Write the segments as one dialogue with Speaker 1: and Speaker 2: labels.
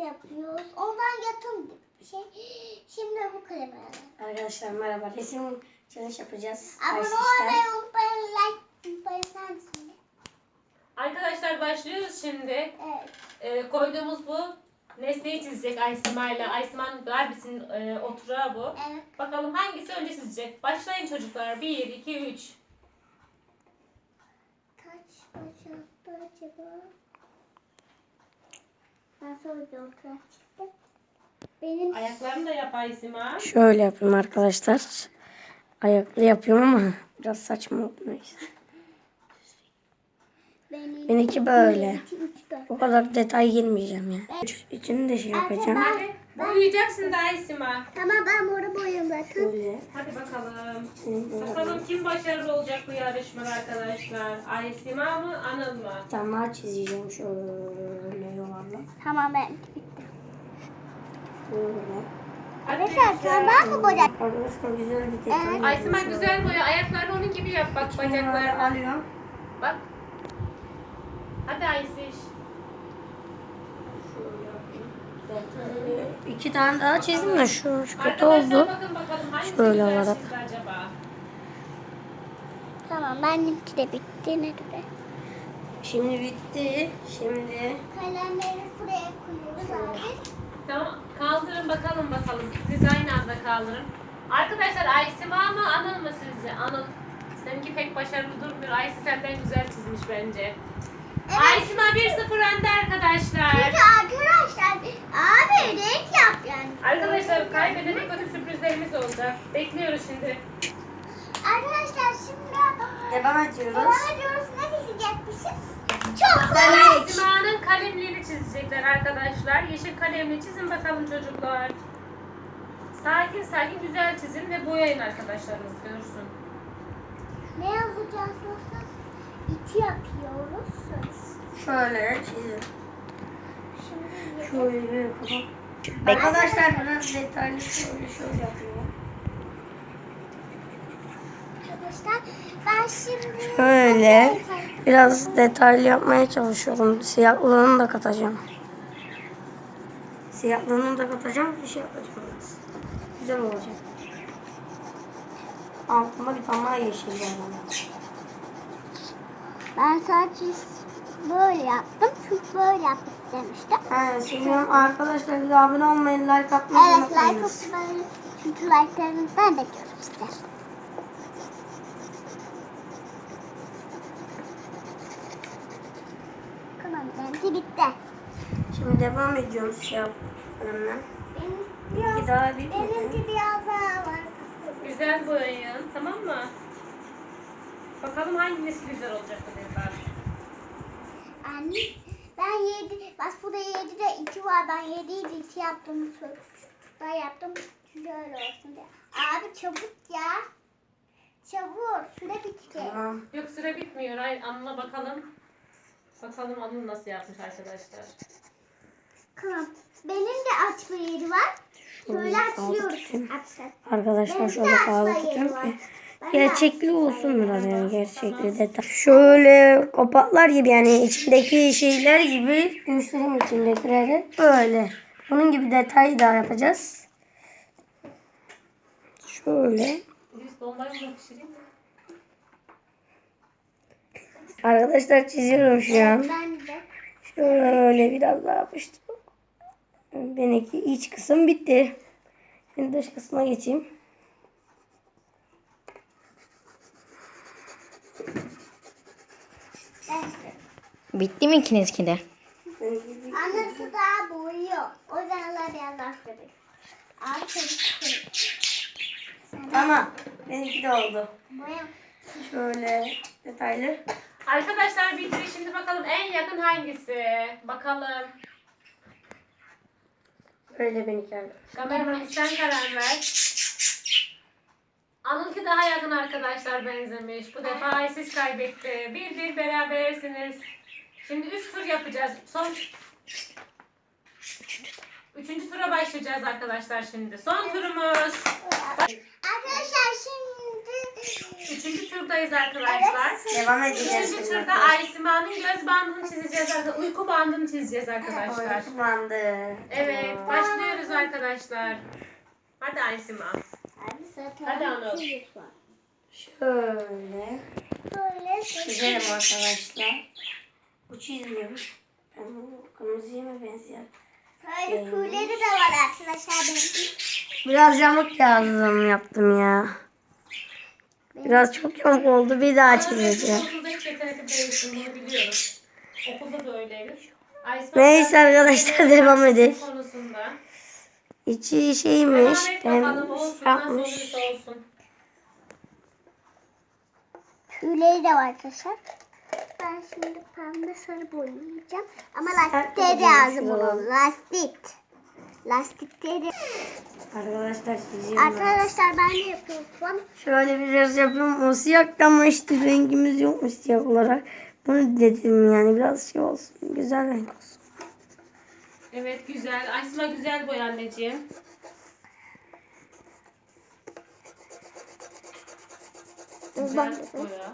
Speaker 1: yapıyoruz. Ondan yakın bir şey. Şimdi bu kalemi alalım.
Speaker 2: Arkadaşlar merhaba. Resim challenge yapacağız.
Speaker 1: Abone olmayı unutmayın. Like unutmayın. Sen şimdi.
Speaker 3: Arkadaşlar başlıyoruz şimdi.
Speaker 1: Evet.
Speaker 3: Koyduğumuz bu nesneyi çizecek Aysima ile. Aysima'nın Barbie'sinin oturağı bu.
Speaker 1: Evet.
Speaker 3: Bakalım hangisi önce çizecek? Başlayın çocuklar. 1, 2, 3.
Speaker 1: Kaç bacaktı acaba? Ben sonra bir oturak çıktım. Benim
Speaker 3: Ayaklarını da yap Aysima.
Speaker 2: Şöyle yapayım arkadaşlar. Ayaklı yapıyorum ama biraz saçma oldu neyse. Benimki böyle.
Speaker 1: 2, 3, 4.
Speaker 2: O kadar detay girmeyeceğim ya. İçini de şey yapacağım.
Speaker 3: Hadi boyayacaksın da Aysima.
Speaker 1: Tamam ben burada boyuyorum zaten.
Speaker 2: Şöyle.
Speaker 3: Hadi bakalım.
Speaker 2: Şimdi
Speaker 3: Bakalım kim başarılı olacak bu yarışmada arkadaşlar? Aysima mı, Anıl mı?
Speaker 2: daha çizeceğim şöyle yuvarlak.
Speaker 1: Tamam ben bitti.
Speaker 2: Şöyle.
Speaker 1: Arkadaşlar sen ben mi boyayacağım?
Speaker 2: Arkadaşlar güzel bir detay.
Speaker 1: Evet.
Speaker 3: Aysima güzel boya. Ayaklarını onun gibi yap bak bacaklarını.
Speaker 2: alıyorum.
Speaker 3: Bak. Hadi Aysiş.
Speaker 2: İki tane daha çizdim de şu kötü
Speaker 3: Arkadaşlar
Speaker 2: oldu.
Speaker 3: bakın bakalım hangisi
Speaker 2: Şöyle
Speaker 3: güzel
Speaker 2: olarak.
Speaker 3: çizdi acaba?
Speaker 1: Tamam benimki de bitti ne göre.
Speaker 2: Şimdi bitti. Şimdi
Speaker 1: Kalemleri buraya koyuyoruz abi.
Speaker 3: Tamam kaldırın bakalım. Siz aynı anda kaldırın. Arkadaşlar Aysima mı Anıl mı sizce? Anıl. Seninki pek başarılı durmuyor. Aysi senden güzel çizmiş bence.
Speaker 1: Evet.
Speaker 3: Aysima 1-0 önde arkadaşlar.
Speaker 1: Çünkü arkadaşlar abi renk yap yani.
Speaker 3: Arkadaşlar kaybedene kötü sürprizlerimiz olacak. Bekliyoruz şimdi.
Speaker 1: Arkadaşlar şimdi
Speaker 2: devam ediyoruz.
Speaker 1: devam ediyoruz. Ne çizecekmişiz? Çok
Speaker 3: Aysima'nın kalemliğini çizecekler arkadaşlar. Yeşil kalemli çizin bakalım çocuklar. Sakin sakin güzel çizin ve boyayın arkadaşlarınız görsün.
Speaker 1: Ne yazacağız? İki yapıyoruz.
Speaker 2: Şöyle çizim.
Speaker 1: Şimdi
Speaker 2: Şöyle yapalım. Arkadaşlar biraz detaylı şöyle yapıyorum.
Speaker 1: arkadaşlar ben şimdi
Speaker 2: Şöyle biraz detaylı yapmaya çalışıyorum. Siyahlığını da katacağım. Siyahlığını da katacağım. Bir şey yapacağım. Güzel olacak. Altında bir tane daha yeşil var.
Speaker 1: Ben sadece böyle yaptım çünkü böyle yapmak istemiştim.
Speaker 2: Seviyorum. Arkadaşlar bize abone olmayı, like atmayı
Speaker 1: Evet like atmayı çünkü like'larınızdan bekliyorum size. Tamam benimki bitti.
Speaker 2: Şimdi devam ediyoruz şey yapmamla.
Speaker 1: Benim
Speaker 2: daha bitmedi.
Speaker 1: benimki biraz daha var.
Speaker 3: Güzel boyayın tamam mı? Bakalım hangisi güzel olacak bu defa.
Speaker 1: Anne ben 7 bak burada 7'de 2 var ben 7'yi 2 yaptım. Ben yaptım şöyle olsun diye. Abi çabuk ya. Çabuk süre bitti.
Speaker 2: Tamam.
Speaker 3: Yok süre bitmiyor. Anıl'a bakalım. Bakalım Anıl nasıl yapmış arkadaşlar.
Speaker 1: Tamam. Benim de açma yeri var. Şöyle açıyoruz.
Speaker 2: Arkadaşlar şöyle
Speaker 1: Benimki de
Speaker 2: bağlı
Speaker 1: açma yeri
Speaker 2: tutuyorum
Speaker 1: var.
Speaker 2: ki
Speaker 1: Ben de
Speaker 2: gerçekli
Speaker 1: açma
Speaker 2: olsun
Speaker 1: yeri
Speaker 2: biraz
Speaker 1: var.
Speaker 2: yani gerçekli detay. Şöyle kopaklar gibi yani içindeki şeyler gibi göstereyim içindekileri. Böyle. Bunun gibi detay daha yapacağız. Şöyle.
Speaker 3: Biz bombayı mı pişireyim mi?
Speaker 2: Arkadaşlar çiziyorum şu an.
Speaker 1: Ben de.
Speaker 2: Şöyle biraz daha yapıştım. Benimki iç kısım bitti. Şimdi dış kısma geçeyim.
Speaker 4: Bitti mi ikinizki de?
Speaker 1: Anası daha boyuyor. O yüzden Allah biraz daha süre. Abi çabuk.
Speaker 2: Tamam. Benimki de oldu.
Speaker 1: Boya.
Speaker 2: Şöyle detaylı.
Speaker 3: Arkadaşlar bitti. Şimdi bakalım en yakın hangisi? Bakalım.
Speaker 2: Böyle benimki arkadaşlar.
Speaker 3: Kameraman sen karar ver. Anıl'ki daha yakın arkadaşlar benzemiş. Bu defa Aysiz kaybetti. Bir berabersiniz. Şimdi 3 tur yapacağız. Son Üçüncü tura başlayacağız arkadaşlar şimdi. Son turumuz.
Speaker 1: Arkadaşlar şimdi
Speaker 3: Üçüncü turdayız arkadaşlar.
Speaker 2: Devam edeceğiz.
Speaker 3: Üçüncü turda Aysima'nın göz bandını çizeceğiz arkadaşlar. Uyku bandını çizeceğiz arkadaşlar.
Speaker 2: Bandı.
Speaker 3: Evet, başlıyoruz arkadaşlar. Hadi Aysima.
Speaker 1: abi zaten
Speaker 3: Hadi Anıl.
Speaker 2: Şöyle
Speaker 1: böyle
Speaker 2: çizelim arkadaşlar. Bu çizmiyor. Ben bu kırmızıya mı benziyor?
Speaker 1: böyle tüyleri de var arkadaşlar benim.
Speaker 2: Biraz yamuk yaptım ya. Biraz çok yamuk oldu. Bir daha çizeceğim.
Speaker 3: Okulda hiç yetenekli değilsin, bunu biliyoruz. Okulda da öyleymiş. Aysima
Speaker 2: Neyse arkadaşlar devam edelim.
Speaker 3: konusunda.
Speaker 2: İçi şeymiş.
Speaker 3: Devam et bakalım, olsun nasıl
Speaker 2: Yapmış.
Speaker 3: olursa olsun.
Speaker 1: Tüyleri de var arkadaşlar. Ben şimdi pembe sarı boyayacağım. Ama
Speaker 2: Sert
Speaker 1: lastikleri de
Speaker 2: boyayacağım
Speaker 1: lazım
Speaker 2: şuraları.
Speaker 1: bunun. Lastik. Lastikleri.
Speaker 2: Arkadaşlar çiziyorum.
Speaker 1: Arkadaşlar ben de yapıyorum.
Speaker 2: Şöyle biraz yapıyorum. O siyahtan ama işte rengimiz yokmuş siyah olarak. Bunu dedim yani biraz şey olsun. Güzel renk olsun.
Speaker 3: Evet, güzel. Aysima güzel boy anneciğim. Güzel boya.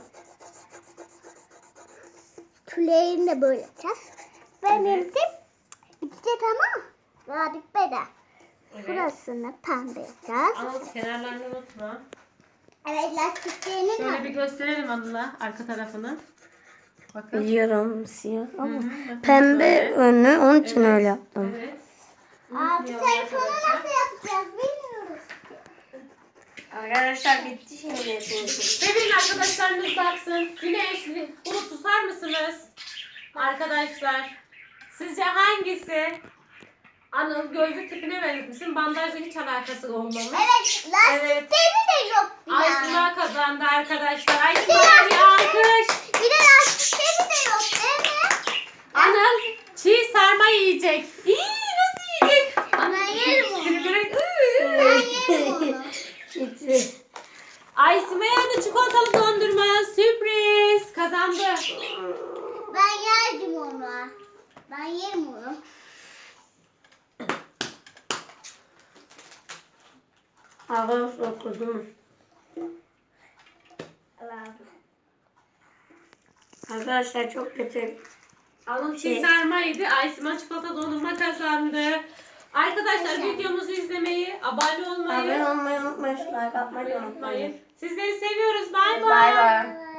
Speaker 1: Tüylerini de böyle yapacağız. Benim de bitecek ama daha bitmedi.
Speaker 3: Evet.
Speaker 1: Burasını pembe yapacağız.
Speaker 3: Anıl kenarlarını unutma.
Speaker 1: Evet lastiklerini
Speaker 3: Şöyle
Speaker 1: de.
Speaker 3: bir gösterelim Anıl'a arka tarafını. Bakın.
Speaker 2: Biliyorum siyah
Speaker 3: Hı
Speaker 2: ama
Speaker 3: hı, bakın
Speaker 2: pembe
Speaker 3: şöyle.
Speaker 2: önü onun için öyle yaptım.
Speaker 3: Evet.
Speaker 1: Abi
Speaker 3: Unutmayalım
Speaker 1: telefonu
Speaker 3: arkadaşlar.
Speaker 1: nasıl yapacağız bilmiyoruz.
Speaker 2: Arkadaşlar bitti şimdi.
Speaker 3: Sevin arkadaşlarınız baksın. Güneş, Bulut susar mısınız? Arkadaşlar. Sizce hangisi? Anıl gözlük tipine benzetmişsin. Bandajla hiç alakası olmamış.
Speaker 1: Evet lastikleri de yok bir
Speaker 3: Aysima kazandı arkadaşlar. Aysima'ya bir alkış.
Speaker 1: Bir de lastikleri de yok değil mi?
Speaker 3: Anıl çiğ sarma yiyecek. İyi, nasıl yiyecek?
Speaker 1: Ben yerim onu.
Speaker 3: Sinirlerek,
Speaker 1: Ben yerim onu.
Speaker 2: Bitti.
Speaker 3: Aysima'ya da çikolatalı dondurma sürpriz kazandı.
Speaker 1: Ben yerdim onu. Ben yerim onu.
Speaker 2: Arkadaşlar okudum. Arkadaşlar çok kötü.
Speaker 3: Anıl çiğ sarma yedi. Aysima çikolata dondurma kazandı. Arkadaşlar videomuzu izlemeyi, abone olmayı
Speaker 2: Abone olmayı unutmayın. Like atmayı unutmayın.
Speaker 3: unutmayın. Sizleri seviyoruz. Bay
Speaker 2: Bay
Speaker 3: bay.
Speaker 2: bay.